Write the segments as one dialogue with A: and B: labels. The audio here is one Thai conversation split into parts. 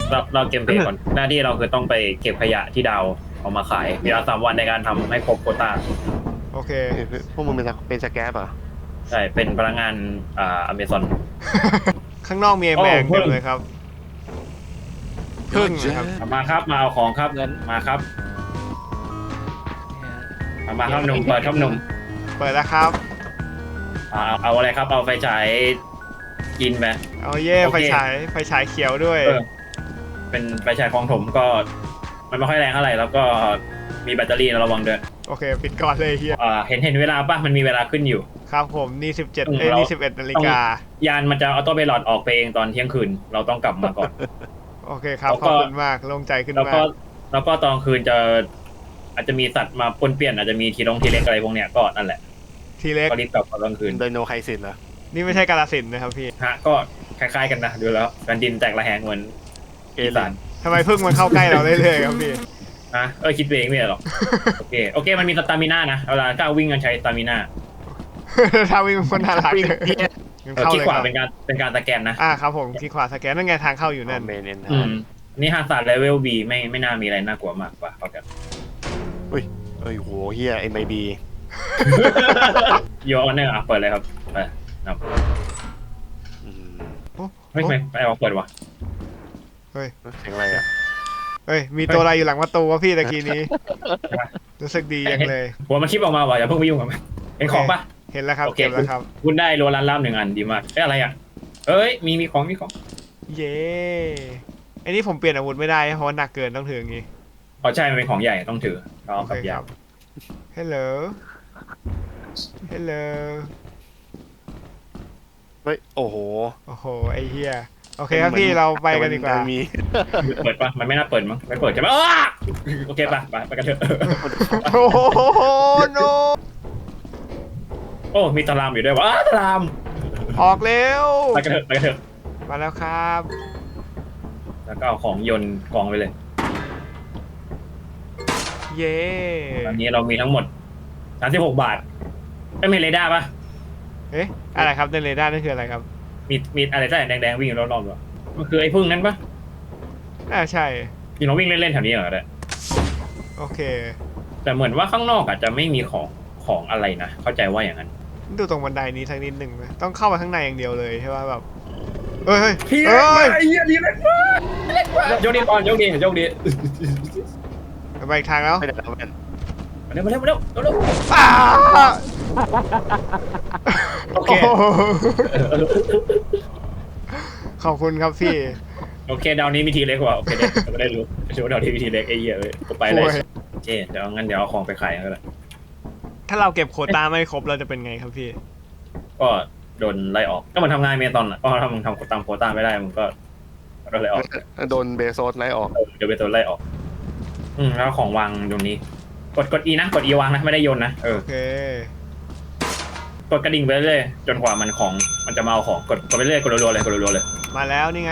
A: เราเกมเพลย์ก่อนหน้าที่เราคือต้องไปเก็บขยะที่ดาวเอามาขายมีเวลา3 วันในการทำให้ครบโควต้า
B: โอเค
C: พวกมึงเป็นสแกปเหรอ
A: ใช่เป็นพนักงานอเมซอน
B: ข้างนอกมีแมง
A: โอ้
B: เต็มเลยครับพึ่งนะครับ
A: มาครับมาเอาของครับมาครับมาครับหนุ่มเปิดครับหนุ่ม
B: เปิดแล้วครับ
A: เอาอะไรครับเอาไฟฉายกินไป
B: เอาเย่
A: โอเค
B: ไฟฉายเขียวด้วย
A: เป็นไฟฉายของถมก็มันไม่ค่อยแรงเท่าไหร่แล้วก็มีแบตเตอรี่นะระวังด้วย
B: โอเค ปิดก่อนเลยเฮีย
A: เห็นเวลาป่ะมันมีเวลาขึ้นอยู่
B: ครับผมนี่17
A: เรานี่
B: นี่11 นาฬิกา
A: ยานมันจะออโต้ไพลอตออกไปเองตอนเที่ยงคืนเราต้องกลับมาก่อน
B: โอเคครับ
A: แล้ว
B: ข
A: ก็
B: อบคุณมากโล่งใจขึ้น
A: แล้ว
B: มา
A: ก็
B: ก
A: แล้วก็ตอนคืนอาจจะมีสัตว์มาปนเปี้ยนอาจจะมีทีเล็กอะไรพวกเนี้ยก็นั่นแหละ
B: ทีเล็ก
A: ก็รีบกลับตอนกลางคืน
C: ไดโนไคซินเหรอ
B: นี่ไม่ใช่กาฬสินธุ์นะครับพี่
A: ฮะก็คล้ายๆกันนะดูแล้วแผ่นดินแตกระแหงเหมือนอีสาน
B: ทำไมพึ่งมันเข้าใกล้เราเรื่อยๆครับพี่
A: คิดเองไม่ได้หรอก โอเคมันมีสตามิน่านะเวลาก้าววิ่งกันใช้สตามิน่า
B: ถ้าวิ่งมันน่ารัก
C: วิ่ง
B: เลย
C: เหี้ย
B: งั้นเข้า
A: ที่
B: เลย
A: ข
B: คว
A: า
B: รับ
A: เป็นการสแกนนะ
B: ครับผมที่ขวาสแกนนั่นไงทางเข้าอยู่นั่น
C: เมนเอน
A: นี่ฮาร์ดเลเวล B ไม่น่ามีอะไรน่ากลัวมากกว่าเขาจะ
C: เอ้ยโหเฮีย MIB
A: โยนเนี่ยเปิดเลยครับไปนับ
C: อืม
A: ไม่เอาเปิดวะ
C: เสียงอะไรอ่ะ
B: เฮ้ยมีตัวอะไรอยู่หลังประตูวะพี่ตะกี้นี้ รู้สึกดียังเลย
A: หัวมันคลิปออกมาว่ะอย่าเพิ่งไปยุ่งกับมันเห็นของปะ
B: เห็นแล้วครับ
A: โอเค
B: เก็บแล้วครับ
A: คุณได้โรลันล่าม1 อันดีมากอะไรอ่ะมีของ
B: เย้ไอ้นี่ผมเปลี่ยนอาวุธไม่ได้เพราะว่าหนักเกินต้องถืออย่างงี้
A: อ๋อใช่มันเป็นของใหญ่ต้องถือเอากับยาว
B: ฮัลโหลฮัลโหล
C: เฮ้ยโอ้โห
B: โอ้โหไอ้เหี้ยโอเคครับพี่เราไปกันดีกว่า
C: มี
A: เปิดปะมันไม่น่าเปิดมั้งไม่เปิดใช่ไหมโอเคปะไปกันเถอะ
B: โอ้โหโน
A: โอ้มีตารามอยู่ด้วยวะตาราม
B: ออกเร็ว
A: ไปกันเถอะ
B: มาแล้วครับ
A: แล้วก็เอาของโยนกองไปเลย
B: เย้
A: ตอนนี้เรามีทั้งหมด36 บาทไม่มีเรดาร์ปะ
B: เอ๊ะอะไรครับในเรดาร์นั่นคืออะไรครับ
A: มีอะไรใต้แดงๆวิ่งอยู่รอบๆหรอมันคือไอ้พึ่งนั้นปะ
B: ใช่
A: ยิงเราวิ่งเล่นๆแถวนี้เหรอเนี่ย
B: โอเค
A: แต่เหมือนว่าข้างนอกอาจจะไม่มีของอะไรนะเข้าใจว่าอย่างนั้น
B: ดูตรงบันไดนี้สักนิดหนึ่งนะต้องเข้าไปข้างในอย่างเดียวเลยใช่ป่ะแบบเฮ้ย
A: พี่
B: เฮ้ย
A: ไอ้เหี้ยดีเล็กมากโยกดีก่อนโยกดี
B: ไปอีกทางแล้ว
C: ไม่ได้แล้วแม่น
A: มาเร็ว
B: อ้า
A: โอเค
B: โอ้โหขอบคุณครับพี่
A: โอเคดาวนี้มีทีเล็กกว่าโอเคเด็กไม่ได้รู้ชื่อว่าดาวนี้มีทีเล็กไอ้เหี้ยเลยก็ไปเลย
B: โอ้ย
A: โอเคเดี๋ยวงั้นเดี๋ยวเอาของไปขายก็ได้
B: ถ้าเราเก็บโควต้าไม่ครบเราจะเป็นไงครับพี่
A: ก็โดนไล่ออกก็มันทำงานเมตอนอ่ะก็ถ้ามึงทำตามโควต้าไม่ได้มึงก็ไล่ออก
C: โดนเบโซสไล่ออก
A: เดี๋ยวไปตัวไล่ออกแล้วของวางตรงนี้ กด E นะกด E วางนะไม่ได้โยนนะ
B: โอเค
A: กดกระดิ่งไปเรื่อยจนกว่ามันจะมาเอาของกดไปเรื่อยกดรัวๆเลย
B: มาแล้วนี่ไง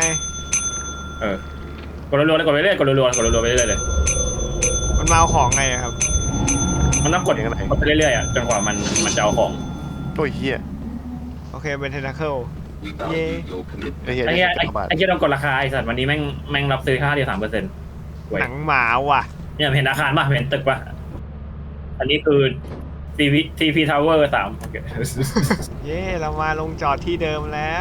A: กดรัวๆเลยกดไปเรื่อยกดรัวๆไปเรื่อยเลย
B: มันมาเอาของไงอะครับ
A: มันต้องกดไปเรื่อยๆจนกว่ามันจะเอาของ
C: โอ้ยเฮีย
B: โอเคเป็นเทนาเคิลเย้
C: ไอ้เฮีย
A: ไอ้เหี้ย
C: ได้10 บาท
A: ไอ้เหี้ยต้องกดราคาไอ้สัตว์วันนี้แม่งรับซื้อค่าเดียว 3%
B: หนังหมาว่ะ
A: เนี่ยเห็นอาคารป่ะเห็นตึกป่ะอันนี้คือ TP Tower 3
B: เย้เรามาลงจอดที่เดิมแล้ว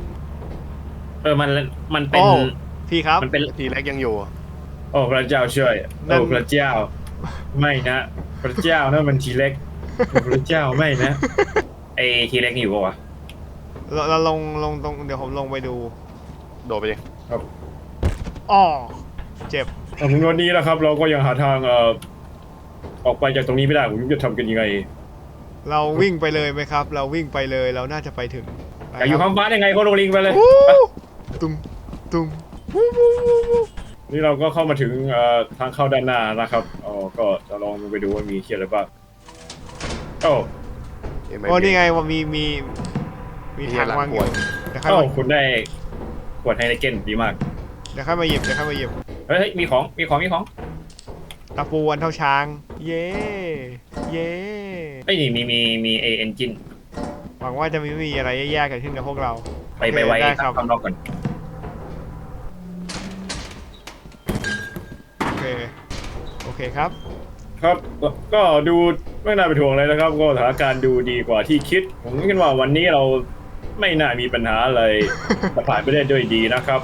A: มันเป็น
B: โอ้พี่ครับ
A: มันเป็น
C: ทีแรกยังอยู่
A: โอ้พระเจ้าช่วย
B: นั่น
A: โอ้พระเจ้า ไม่นะพระเจ้านั่นมันทีเล็กพระเจ้าไม่นะไอทีเล็กอยู่ปะวะ
B: เราลงตรงเดี๋ยวผมลงไปดู
C: โดดไปยัง
B: อ้อเจ็บ
A: ถึงวันนี้นะครับ เราก็ยังหาทางออกไปจากตรงนี้ไม่ได้ผมจะทำกันยังไง
B: เราวิ่งไปเลยไหมครับ เราวิ่งไปเลยเราน่าจะไปถึง
A: อยากอยู่ข้างฟ้ายังไงก็ลงลิงไปเลย
B: วู้ตุ้มตุ้มวู้วู้วู้วู้
A: นี่เราก็เข้ามาถึงทางเข้าด้านหน้านะครับก็จะลองไปดูว่ามีเขียนอะไรบ้างโอ้
B: โอ้นี่ไงว่ามีทางวางอยู่เดี๋ยวค่อยมา
A: คุณได้ขวดไฮเนเก้นดีมาก
B: เดี๋ยวค่อยมาหยิบ
A: เฮ้ยมีของ
B: ตะปูอันเท่าช้าง เย้เย้
A: ไอ้นี่มีเอนจิน
B: หวังว่าจะไม่มีอะไรแย่ๆเกิดขึ้นกับพวกเรา
A: ไปไว้
B: ได้ครับ
A: ข้างนอกก่อน
B: โอเคครับ
A: ครับก็ดูไม่น่าเป็นห่วงเลยนะครับก็สถานการณ์ดูดีกว่าที่คิด ผมคิดว่าวันนี้เราไม่น่ามีปัญหาอะไร ผ่านไปได้ด้วยดีนะครับ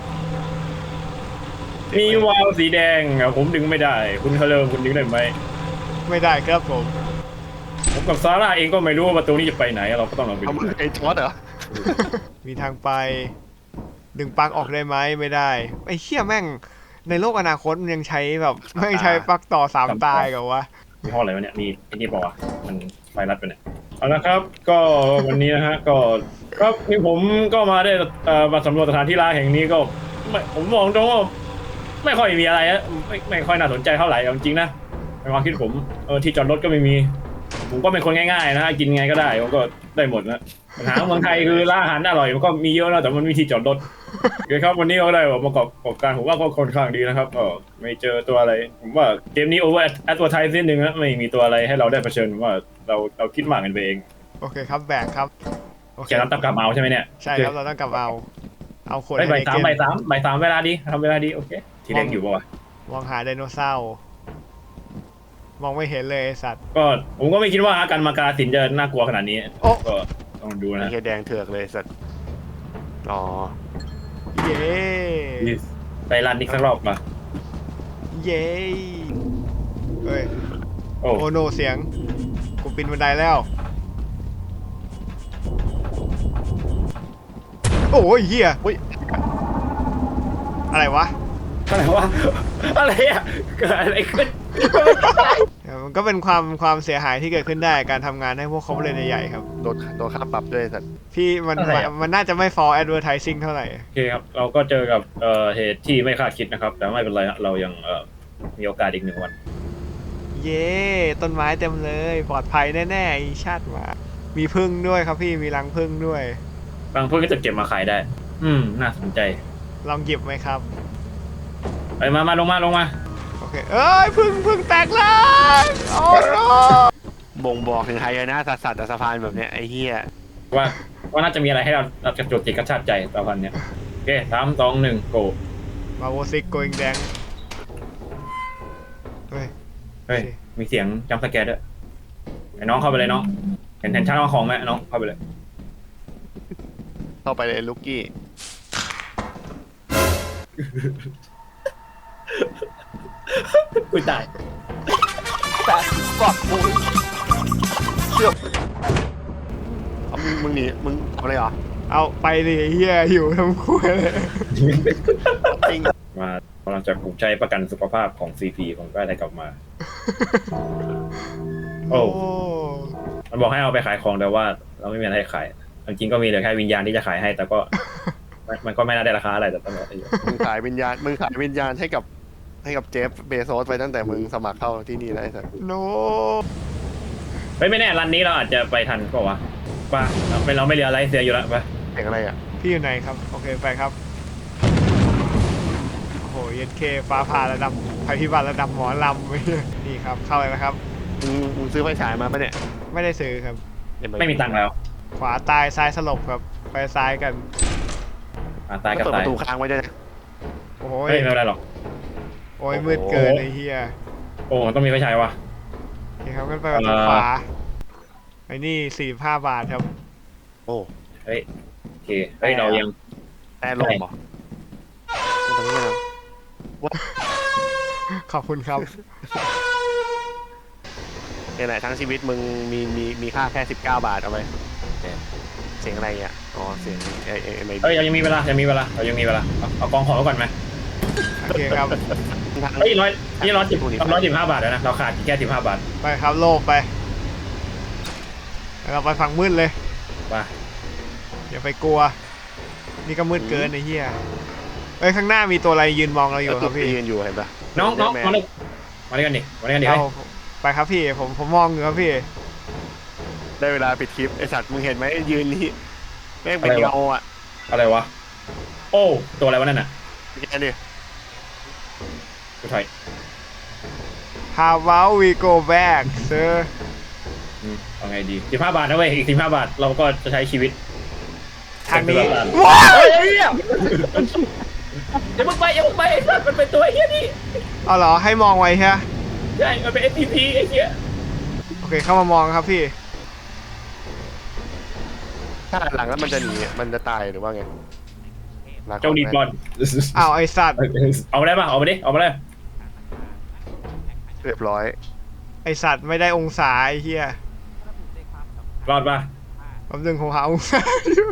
A: มีวาล์วสีแดงอะผมดึงไม่ได้ คุณเคลิมคุณดึงได้ไหม
B: ไม่ได้ครับผม
A: ผมกับซาร่าเองก็ไม่รู้ว่าประตูนี้จะไปไหนเราก็ต้องลองไป
C: เอา
A: ดู
C: มึงไอ้ช็อตเหรอ
B: มีทางไป ดึงปลั๊กออกได้ไหมไม่ได้ไอ้เหี้ยแม่งในโลกอนาคตมันยังใช้แบบไม่งใช้ปลั๊กต่อ3 ตายกับวะ
A: มีห้ออะไรวะเนี่ยมีไอ้นี่เปล่าวะมันไฟรัดไปเนี่ยเอาละครับ ก็วันนี้นะฮะก็ครับนี่ผมก็มาได้มาสำรวจสถานที่ร้างแห่งนี้ก็ผมมองตรงว่าไม่ค่อยมีอะไรอะไม่ค่อยน่าสนใจเท่าไหร่เอาจริงๆนะในความคิดผมที่จอดรถก็ไม่มี ผมก็เป็นคนง่ายๆนะกินไงก็ได้ผมก็ได้หมดนะปัญหาของเมืองไทยคือร้านอาหารอร่อยมันก็มีเยอะนะแต่มันไม่มีที่จอดรถโอเคครับวันนี้ก็ได้ประกอบการผมว่าก็ค่อนข้างดีนะครับไม่เจอตัวอะไรผมว่าเกมนี้โอเวอร์แอดเวอร์ไทซ์นิดนึงนะไม่มีตัวอะไรให้เราได้เผชิญผมว่าเราคิดมากกันไปเอง
B: โอเคครับแบกครับโอเค
A: แกรับต้องกลับมาเอาใช่ไหมเนี่ย
B: ใช่ครับเราต้องกลับเอาขวด
A: บ่ายสาม
B: เกม
A: บ่ายสามเวลาดีทำเวลาดีโอเคทีเล็กอยู่ป่าวะ
B: มองหาไดโนเสาร์มองไม่เห็นเลยไอ้สัตว์
A: ก็ผมก็ไม่คิดว่าการมากาสินจะน่ากลัวขนาดนี้
B: โอ้
A: ก็ต้องดู
C: ไอ้
A: นะ
C: เหี้ยแดงเถือกเลยสัตว์อ๋อ
B: เย้
A: ไปรันอีกสักรอบมา
B: เย้เฮ้ย
A: โอ้
B: โอโนเสียงกูปีนบันไดแล้วโอ้ยเหี้ย
C: อุ้ย
B: อะไรวะ
A: อะไรวะอะไรอ่ะเกิดอะไรขึ้น
B: มันก็เป็นความเสียหายที่เกิดขึ้นได้การทำงานให้พวกเขาเลยใหญ่ๆครับ
C: โดนค่าปรับด้วยสัตว์
B: พี่มันน่าจะไม่ for advertising เท่าไหร่
A: โอเคครับเราก็เจอกับเหตุที่ไม่คาดคิดนะครับ แต่ไม่เป็นไรฮะเรายังมีโอกาสอีก1 วัน
B: เย้ต้นไม้เต็มเลยปลอดภัยแน่ๆอีชาติหมามีพึ่งด้วยครับพี่มีรังพึ่งด้วย
A: บางพวกก็จะเก็บมาขายได้ น่าสนใจ
B: ลองหยิบไหมครับ
A: ไปมาลงมา
B: โอเคเอ้ยพึ่งแตกแล้วโอ้โห
C: บ่งบอกถึงไฮยานะสัตว์สะพานแบบเนี้ยไอ้เหี้ย
A: ว่าน่าจะมีอะไรให้เราจะจดติดกระชากใจตอนเนี้ยโอเค3 2 1โก
B: มาโวซิกโกอิงแดงเฮ้ย
A: เฮ้ยมีเสียงจัมป์สแกร์ด้วยไอ้น้องเข้าไปเลยน้องเห็นชั้นวางของไหมน้องเข้าไปเลย
C: เข้าไปเลยลูกกี้
A: อุ้ยตาย
C: แต่ฟักมึงเชื่อมึงหนีมึงทำอะไรเหรอ
B: เอาไปดิเฮียอยู่ทำคุยเลย
C: จริง
A: มากำลังจะผูกใจประกันสุขภาพของ CP ผมก็ได้กลับมา โอ้
B: โอ้
A: มันบอกให้เอาไปขายของแต่ว่าเราไม่มีอะไรให้ขายจริงๆก็มีเหลือแค่วิญญาณที่จะขายให้ แต่ก็ มันก็ไม่น่าได้ราคาอะไรแต่ต้องบอกให้อยู่
C: มึงขายวิญญาณให้กับเจฟเบโซสไปตั้งแต่มึงสมัครเข้าที่นี่แล้วไอ้สัส
B: โน
A: ไม่แน่รันนี้เราอาจจะไปทันก็วะป่ะเราไม่เหลืออะไรเสียอยู่แล้วป่ะ
C: เสียงอะไรอ่ะ
B: พี่อยู่ไหนครับโอเคไปครับโอ้โหเย็นเคฟ้าผ่าระดับภัยพิบัติระดับหมอลำ นี่ครับเข้าเลยนะครับ
C: มึงซื้อไฟฉายมาปะเนี่ย
B: ไม่ได้ซื้อครับ
A: ไม่มีตังค์แล้ว
B: ขวาตายซ้ายสลบครับไปซ้ายกัน
A: ตายกับ
C: เปิดป
A: ตาย
C: ระตูค้างไว้ด้วยนะ
B: โอ้โห
A: เฮ้ยไม่เป็นไรหรอก
B: โอ้ยมืดเกินไอ้เฮีย
A: โอ้ต้องมีไฟฉายวะ
B: นี่ครับกันไปประตูขวาไอ้นี่45 บาทครับ
C: โอ้
A: เฮ้ยโอเคเฮ้ยเรายัง
C: แต่ลมเหรอตรงนี้นะ
B: ขอบคุณครับ
C: นี่แหละทั้งชีวิตมึงมีค่าแค่19 บาทเอาไปเสียงอะไรอ่ะอ๋อเสียงไอ้
A: เฮ้ยเรายังมีเวลาเรายังมีเวลาเอากองของไว้ก่อนไหม
B: โอเคครับ
A: เฮ้ย115 บาทแล้วนะเราขาดแค่15 บาท
B: ไปครับโลบไปเราไปฝั่งมืดเลย
A: ป่ะ
B: อย่าไปกลัว นี่ก็มืดเกินไอ้เหี้ยเอ้ยข้างหน้ามีตัวอะไรยืนมองเราอยู่ครับพี่
C: ยืนอยู่เห็นปะ
A: น้องมาเลยมาด้วยกันดิเฮ้ย
B: เอาไปครับพี่ผมมองอยู่ครับพี่
C: ได้เวลาปิดคลิปไอสัตว์มึงเห็นไหมยืนนี่แม่งเป็นเงาอ่ะ
A: อะไรวะโอ้ตัวอะไรวะนั่นน่ะ
C: แกดิ
A: กูถอย
B: How about we go back sir
A: เอาไงดี15 บาทนะเว้ยอีก15 บาทเราก็จะใช้ชีวิต
B: ทางนี้
A: ว้าวอย่าเพิ่งไปไอ้สัตว์มันเป็นตัวไอ้เหี้ยนี่
B: เอาเหรอให้มองไว้ใช่ไหม
A: ใช่มันเป็น SCP ไอ้เหี้ย
B: โอเคเข้ามามองครับพี่
C: ถ้าหันหลังแล้วมันจะหนีมันจะตายหรือว่าไงลก่อ
A: เจ้าดีก่อน
B: อ้าวไอสัตว์
A: เอามาได้ป่ะเอามาดิเอามาได้
C: เรียบร้อย
B: ไอสัตว์ไม่ได้องศาไอเฮีย
A: รอดป่ะ
B: แป๊บนึงผมหาองศาอยู่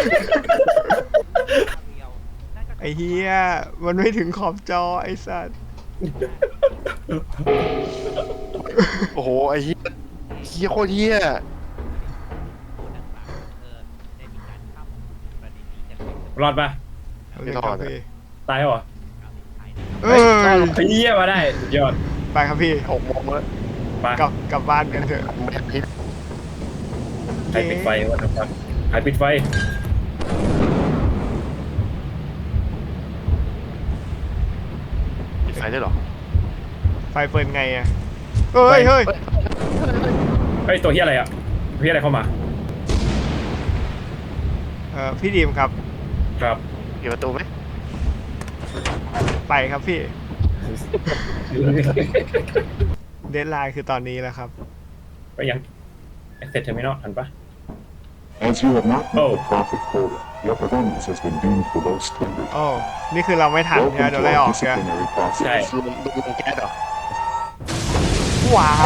B: ไอเฮียมันไม่ถึงขอบจอไอสัตว์
C: โอ้โหไอ้เหี้ยเหี้ยโคตรเหี้ย
A: รอดป่ะ
B: แป๊บนึงครับพี่
A: ตายเหรอ
B: เอ้ย
A: ไอ้เหี้ยมาได้สุดยอด
B: ไปครับพี่
C: 6 โมงแล้ว
A: ไป
B: กลับบ้านกันเถอะ
C: ไม่ได้พิษ
A: ใครปิดไฟวะครับใครปิดไฟ
C: ปิดไฟได้หรอ
B: ไฟเปิดไงอะเฮ้ยเฮ้ย
A: เฮ้ยตัวเหี้ยอะไรอ่ะตัวเหี้ยอะไรเข้ามา
B: พี่ดีมครับ
A: ครับ
C: ปิดประตูไหม
B: ไปครับพี่ เดดไลน์คือตอนนี้แล้วครับ
A: ไปยังเสร็จเทอร์มินอลทันปะ
D: As you have not met
A: Oh.
D: the profit quota, your performance has been deemed below standard.
B: โอ้นี่คือเราไม่ทัน
D: Welcome
B: ใช่ไหมโด
D: to
B: นไล่อ
D: our
B: อกใช่ไหม
D: disciplinary process.
A: ใช่
C: ดูแก๊สเหรอ
B: ว้าว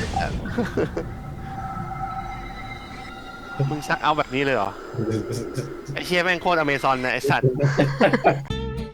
C: มึงชักเอาแบบนี้เลยเหรอ ไอ้เชี่ยแม่งโคตรอเมซอนนะไอ้สัตว์